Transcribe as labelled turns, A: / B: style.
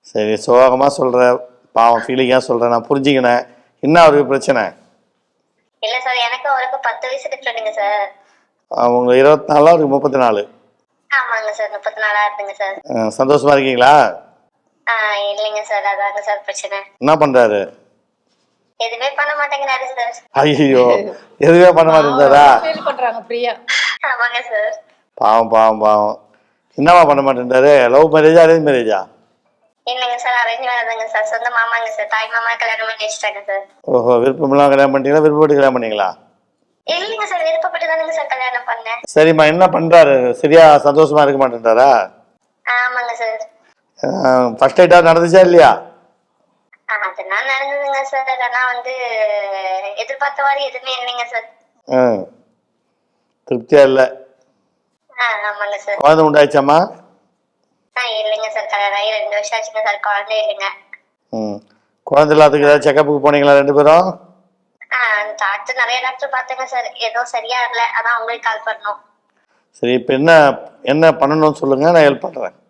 A: சரி, சோகமாக சொல்கிற, பாவம் ஃபீலிங்காக சொல்கிறேன், நான் புரிஞ்சுக்கினேன். என்ன அவருக்கு பிரச்சனை?
B: இல்ல சார், எனக்கு அவருக்கு 10 வயசு டிஃபரெண்ட்டுங்க சார்.
A: அவங்க 24, அவருக்கு 34.
B: ஆமாங்க சார், 34 ஆகுதுங்க சார்.
A: சந்தோஷமா இருக்கீங்களா?
B: இல்லைங்க சார், அதாங்க சார் பிரச்சனை.
A: என்ன பண்ணுறாரு?
B: எதுவுமே பண்ண மாட்டேங்கிறாரு சார்.
A: ஐயோ, எதுவுமே பண்ண மாட்டேங்கிறாரா?
C: ஃபீல் பண்றாங்க பிரியா.
B: ஆமாங்க சார்.
A: பாவம் பாவம் பாவம். என்னவா பண்ண மாட்டேன்றாரு? லவ் மேரேஜா அரேஞ்ச் மேரேஜா?
B: இல்லைங்க சார், அரேஞ்ச் மேரேஜ்ங்க சார். சொந்த மாமாங்க சார். தாய் மாமா கல்யாணம் பண்ணி வச்சுட்டாங்க சார்.
A: ஓஹோ, விருப்பமெல்லாம் கல்யாணம் பண்ணிட்டீங்களா? விருப்பப்பட்டு கல்யாணம் பண்ணீங்களா?
B: இல்லைங்க சார், விருப்பப்பட்டு தானுங்க சார் கல்யாணம் பண்ணேன்.
A: சரிம்மா, என்ன பண்ணுறாரு? சரியா சந்தோஷமா இருக்க மாட்டேன்றாரா?
B: ஆமாங்க சார்.
A: ஃபர்ஸ்ட் நைட்டா நடந்துச்சா இல்லையா?
B: அதெல்லாம் நடந்ததுங்க சார். ஆனா எதிர்பார்த்த மாதிரி எதுவுமே இல்லைங்க சார்.
A: திருப்தியா இல்லை.
B: ஆமாங்க சார்.
A: குழந்தை உண்டாயிச்சாம்மா?
B: இல்லைங்க சார், கல்யாணம் ஆகி 2 வருஷம் ஆச்சுங்க சார். குழந்தை இல்லைங்க.
A: குழந்தை இல்லாததுக்கு ஏதாவது செக்கப்புக்கு போனீங்களா 2 பேரும்?
B: டாக்டர் நிறைய டாக்டர் பார்த்தேங்க சார். எதுவும் சரியா இல்லை. அதான் உங்களுக்கு கால் பண்ணோம்.
A: சரி, இப்போ என்ன என்ன பண்ணணும்னு சொல்லுங்க, நான் ஹெல்ப் பண்ணுறேன்.